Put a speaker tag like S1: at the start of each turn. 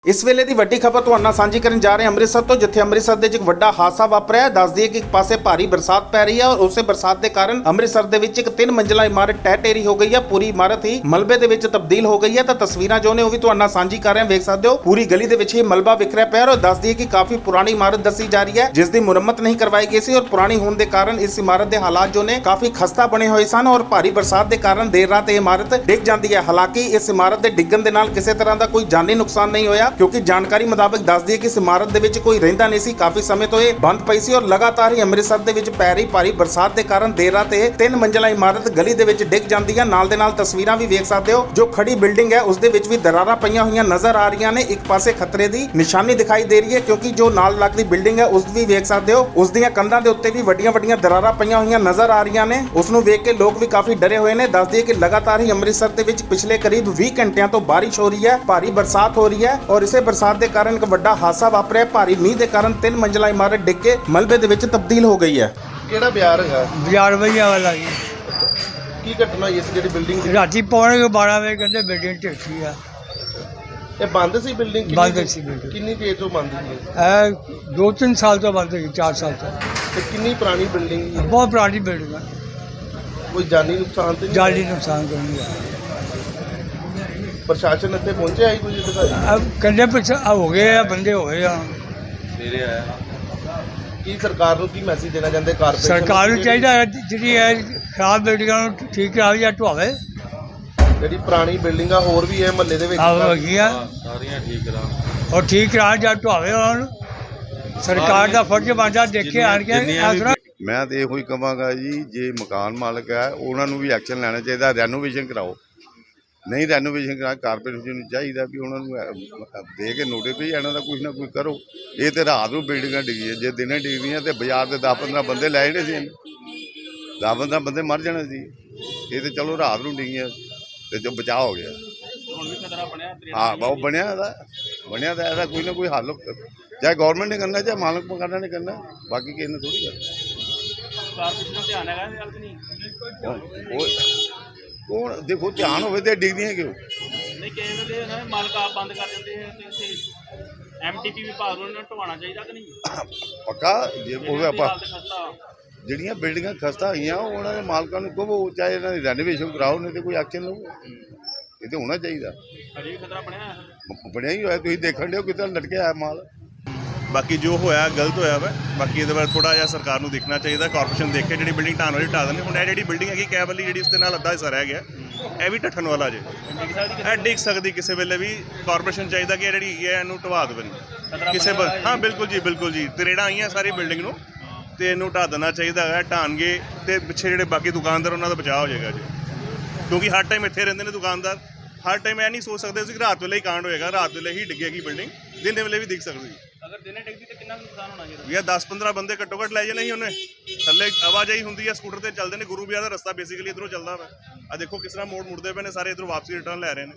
S1: इस वेले की वड्डी खबर तुहाडे नाल सांझी करन जा रहे हैं अमृतसर तो, जिथे अमृतसर दे एक वड्डा हादसा वापरिया है। दस दिए कि एक पासे भारी बरसात पै रही है और उसे बरसात के कारण अमृतसर दे विच एक 3 मंजिला इमारत टह टेरी हो गई है। पूरी इमारत ही मलबे दे विच तब्दील हो गई है। तो तस्वीरां जो ने वो भी तुहाडे नाल सांझी कर रहे हैं, वेख सकते हो पूरी गली दे विच ही मलबा बिखरिया पिया और दस दिए कि काफी पुरानी इमारत दसी जा रही है, जिसकी मुरम्मत नहीं करवाई गई सी और पुरानी होने के कारण इस इमारत के हालात जो ने काफी खस्ता बने हुए सन और भारी बरसात के कारण देर रात ये इमारत डिग जाती है। हालांकि इस इमारत के डिगन के नाल किसी तरह का कोई जानी नुकसान नहीं होया, क्योंकि जानकारी मुताबिक दस दिए कि इस इमारत दे विच कोई रहिंदा नहीं सी। काफी समय तो ये बंद पई सी और लगातार ही अमृतसर दे विच पै रही भारी बरसात के कारण देर रात ये 3 मंजिला इमारत गली दे विच डिग जाती है। नाल दे नाल तस्वीरां भी वेख सकते हो, जो खड़ी बिल्डिंग है उस दे विच भी दरारां पईयां होईयां नजर आ रही ने। एक पासे खतरे की निशानी दिखाई दे रही है, क्योंकि जो नाल लगदी बिल्डिंग है उस भी वेख सकते हो, उस दीयां कंधां दे उत्ते भी वड्डियां वड्डियां दरारां पईयां होईयां नजर आ रही ने। उस नूं वेख के लोग भी काफी डरे हुए ने। दस दिए कि लगातार ही अमृतसर दे विच पिछले करीब 20 घंटियां तो बारिश हो रही है, भारी बरसात हो रही है और इसे बरसात के कारण एक वड्डा हादसा वापरिया। भारी मींह के कारण 3 मंजिला इमारत डिग के मलबे दे विच तब्दील हो गई है।
S2: ਕਿਹੜਾ ਬਿਆਰ ਹੈਗਾ
S3: ਬਾਜ਼ਾਰ ਵਈਆ ਵਾਲਾ ਜੀ
S2: ਕੀ ਘਟਨਾ ਹੋਈ ਇਸ ਜਿਹੜੀ ਬਿਲਡਿੰਗ ਦੀ?
S3: ਰਾਤੀ ਪੌਣੇ 12 ਵਜੇ ਕਹਿੰਦੇ ਬਿਲਡਿੰਗ ਢੇਠੀ ਆ।
S2: ਇਹ ਬੰਦ ਸੀ ਬਿਲਡਿੰਗ?
S3: ਬੰਦ ਸੀ ਬਿਲਡਿੰਗ।
S2: ਕਿੰਨੀ ਦੇਰ ਤੋਂ ਬੰਦ ਸੀ
S3: ਇਹ 2-3 ਸਾਲ ਤੋਂ ਬੰਦ ਹੋਈ, 4 ਸਾਲ ਤੋਂ।
S2: ਤੇ ਕਿੰਨੀ ਪੁਰਾਣੀ ਬਿਲਡਿੰਗ?
S3: ਬਹੁਤ ਪੁਰਾਣੀ ਬਿਲਡਿੰਗ ਆ,
S2: ਕੋਈ ਜਾਨੀ ਨੁਕਸਾਨ ਤੇ ਨਹੀਂ?
S3: ਜਾਨੀ ਨੁਕਸਾਨ ਕੋਈ ਨਹੀਂ ਆ।
S2: ਪ੍ਰਸ਼ਾਸਨ ਇੱਥੇ ਪਹੁੰਚਿਆ ਹੀ ਕੁਝ ਅਧਿਕਾਰੀ?
S3: ਕਹਿੰਦੇ ਪਿੱਛੇ ਹੋ ਗਏ ਆ, ਬੰਦੇ ਹੋ ਗਏ ਆ।
S2: ਸਵੇਰੇ ਆਇਆ। ਕੀ ਸਰਕਾਰ ਨੂੰ ਕੀ ਮੈਸੇਜ ਦੇਣਾ ਚਾਹੁੰਦੇ? ਕਾਰਪੋਰੇਸ਼ਨ
S3: ਸਰਕਾਰ ਨੂੰ ਚਾਹੀਦਾ ਹੈ ਜਿਹੜੀ ਹੈ ਖਰਾਬ ਬਿਲਡਿੰਗਾਂ ਨੂੰ ਠੀਕ ਕਰਾਵੇ ਜਾਂ ਢਵਾਵੇ।
S2: ਜਿਹੜੀ ਪੁਰਾਣੀ ਬਿਲਡਿੰਗ ਆ ਹੋਰ ਵੀ ਹੈ ਮਹੱਲੇ ਦੇ ਵਿੱਚ
S3: ਆਹ ਹੈਗੀਆਂ
S2: ਸਾਰੀਆਂ ਠੀਕ ਕਰਾ
S3: ਔਰ ਠੀਕ ਕਰਾ ਜਾਂ ਢਵਾਵੇ ਉਹਨਾਂ ਨੂੰ। ਸਰਕਾਰ ਦਾ ਫਰਜ਼ ਬਣਦਾ ਦੇਖੇ ਆਣ ਕੇ ਇਸ ਤਰ੍ਹਾਂ।
S4: ਮੈਂ ਤਾਂ ਇਹੋ ਹੀ ਕਹਾਂਗਾ ਜੀ, ਜੇ ਮਕਾਨ ਮਾਲਕ ਹੈ ਉਹਨਾਂ ਨੂੰ ਵੀ ਐਕਸ਼ਨ ਲੈਣਾ ਚਾਹੀਦਾ, ਰੈਨੋਵੇਸ਼ਨ ਕਰਾਓ। ਨਹੀਂ ਰੈਨੋਵੇਸ਼ਨ ਕਰਾ ਕਾਰਪੋਰੇਸ਼ਨ ਨੂੰ ਚਾਹੀਦਾ ਵੀ ਉਹਨਾਂ ਨੂੰ ਦੇ ਕੇ ਨੋਟਿਸ ਵੀ ਇਹਨਾਂ ਦਾ ਕੁਝ ਨਾ ਕੁਝ ਕਰੋ। ਇਹ ਤੇ ਰਾਤ ਨੂੰ ਬਿਲਡਿੰਗਾਂ ਡਿੱਗੀਆਂ, ਜੇ ਦਿਨੇ ਡਿੱਗਦੀਆਂ ਤੇ ਬਾਜ਼ਾਰ ਦੇ 10-15 ਬੰਦੇ ਲੈ ਜਾਣੇ ਸੀ, 10-15 ਬੰਦੇ ਮਰ ਜਾਣੇ ਸੀ। ਇਹ ਤੇ ਚਲੋ ਰਾਤ ਨੂੰ ਡਿੱਗੀਆਂ ਤੇ ਜੋ ਬਚਾਅ ਹੋ ਗਿਆ। ਹਾਂ ਬਹੁਤ ਬਣਿਆ ਤਾਂ ਇਹਦਾ ਕੋਈ ਨਾ ਕੋਈ ਹੱਲ ਚਾਹੇ ਗੌਰਮੈਂਟ ਨੇ ਕਰਨਾ ਚਾਹੇ ਮਾਲਕ ਮਕਾਨਾਂ ਨੇ ਕਰਨਾ, ਬਾਕੀ ਕਿਸੇ ਨੇ ਥੋੜ੍ਹੀ ਕਰਨਾ। ਕੌਣ ਦੇਖੋ ਧਿਆਨ ਹੋਵੇ ਤੇ ਡਿੱਗਦੀਆਂ ਕਿਉਂ
S5: ਨਹੀਂ? ਕਈ ਵੇਲੇ ਨਾ ਮਾਲਕ ਆਪ ਬੰਦ ਕਰ ਦਿੰਦੇ ਆ ਤੇ ਇੱਥੇ ਐਮਟੀਪੀ ਵਿਭਾਗ ਨੂੰ ਇਹਨਾਂ ਢਵਾਉਣਾ ਚਾਹੀਦਾ ਕਿ ਨਹੀਂ?
S4: ਪੱਕਾ ਜੇ ਉਹ ਆਪਾਂ ਜਿਹੜੀਆਂ ਬਿਲਡਿੰਗਾਂ ਖਸਤਾ ਹੋਈਆਂ ਉਹਨਾਂ ਦੇ ਮਾਲਕਾਂ ਨੂੰ ਕਹੋ ਚਾਹੇ ਇਹਨਾਂ ਦੀ ਰੈਨੋਵੇਸ਼ਨ ਕਰਾਓ, ਨਹੀਂ ਤੇ ਕੋਈ ਐਕਸ਼ਨ ਲਓ। ਇਹ ਤੇ ਹੋਣਾ ਚਾਹੀਦਾ।
S5: ਅਜੇ ਵੀ ਖਤਰਾ
S4: ਬਣਿਆ ਹੀ ਹੋਇਆ, ਤੁਸੀਂ ਦੇਖਣ ਦਿਓ ਕਿਤੇ ਲਟਕਿਆ ਹੈ ਮਾਲ।
S6: ਬਾਕੀ ਜੋ ਹੋਇਆ ਗਲਤ ਹੋਇਆ ਵਾ, ਬਾਕੀ ਇਹਦੇ ਬਾਰੇ ਥੋੜਾ ਜਿਹਾ ਸਰਕਾਰ ਨੂੰ ਦੇਖਣਾ ਚਾਹੀਦਾ। ਕਾਰਪੋਰੇਸ਼ਨ ਦੇਖੇ ਜਿਹੜੀ ਬਿਲਡਿੰਗ ਢਾਣ ਵਾਲੀ ਢਾ ਦਿੰਦੇ। ਹੁਣ ਇਹ ਜਿਹੜੀ ਬਿਲਡਿੰਗ ਹੈਗੀ ਕੈਬ ਵਾਲੀ, ਜਿਹੜੀ ਉਸ ਦੇ ਨਾਲ ਅੱਧਾ ਹਿੱਸਾ ਰਹਿ ਗਿਆ, ਇਹ ਵੀ ਢੱਠਣ ਵਾਲਾ ਜੇ, ਇਹ ਡਿੱਗ ਸਕਦੀ ਕਿਸੇ ਵੇਲੇ ਵੀ। ਕਾਰਪੋਰੇਸ਼ਨ ਚਾਹੀਦਾ ਕਿ ਇਹ ਜਿਹੜੀ ਹੈਗੀ ਹੈ ਇਹਨੂੰ ਢਵਾ ਦੇਵੇ ਕਿਸੇ। ਹਾਂ ਬਿਲਕੁਲ ਜੀ ਤਰੇੜਾਂ ਆਈਆਂ ਸਾਰੀ ਬਿਲਡਿੰਗ ਨੂੰ ਤੇ ਇਹਨੂੰ ਢਾ ਦੇਣਾ ਚਾਹੀਦਾ ਹੈ। ਢਾਣਗੇ ਤੇ ਪਿੱਛੇ ਜਿਹੜੇ ਬਾਕੀ ਦੁਕਾਨਦਾਰ ਉਹਨਾਂ ਦਾ ਬਚਾਅ ਹੋ ਜਾਏਗਾ ਜੀ, ਕਿਉਂਕਿ ਹਰ ਟਾਈਮ ਇੱਥੇ ਰਹਿੰਦੇ ਨੇ ਦੁਕਾਨਦਾਰ। ਹਰ ਟਾਈਮ ਇਹ ਨਹੀਂ ਸੋਚ ਸਕਦੇ ਸੀ ਕਿ ਰਾਤ ਵੇਲੇ ਹੀ ਕਾਂਡ ਹੋਏਗਾ, ਰਾਤ ਵੇਲੇ ਹੀ ਡਿੱਗੇਗੀ ਬਿਲਡਿੰਗ, ਦਿਨ ਵੇਲੇ ਵੀ ਡਿੱਗ ਸਕਦੀ।
S5: ਅਗਰ ਦਿਨੇ ਡਿੱਗਦੀ ਤਾਂ ਕਿੰਨਾ ਨੁਕਸਾਨ ਹੋਣਾ ਚਾਹੀਦਾ?
S6: ਵੀ 10-15 ਬੰਦੇ ਘੱਟੋ ਘੱਟ ਲੈ ਜਾਣੇ ਸੀ ਉਹਨੇ। ਥੱਲੇ ਆਵਾਜਾਈ ਹੁੰਦੀ ਹੈ, ਸਕੂਟਰ ਤੇ ਚੱਲਦੇ ਨੇ। ਗੁਰੂ ਬਿਆਰ ਦਾ ਰਸਤਾ ਬੇਸਿਕਲੀ ਇੱਧਰੋਂ ਚੱਲਦਾ ਵਾ। ਆ ਦੇਖੋ ਕਿਸ ਤਰ੍ਹਾਂ ਮੋੜ ਮੁੜਦੇ ਪਏ ਨੇ ਸਾਰੇ, ਇੱਧਰੋਂ ਵਾਪਸੀ ਰਿਟਰਨ ਲੈ ਰਹੇ ਨੇ।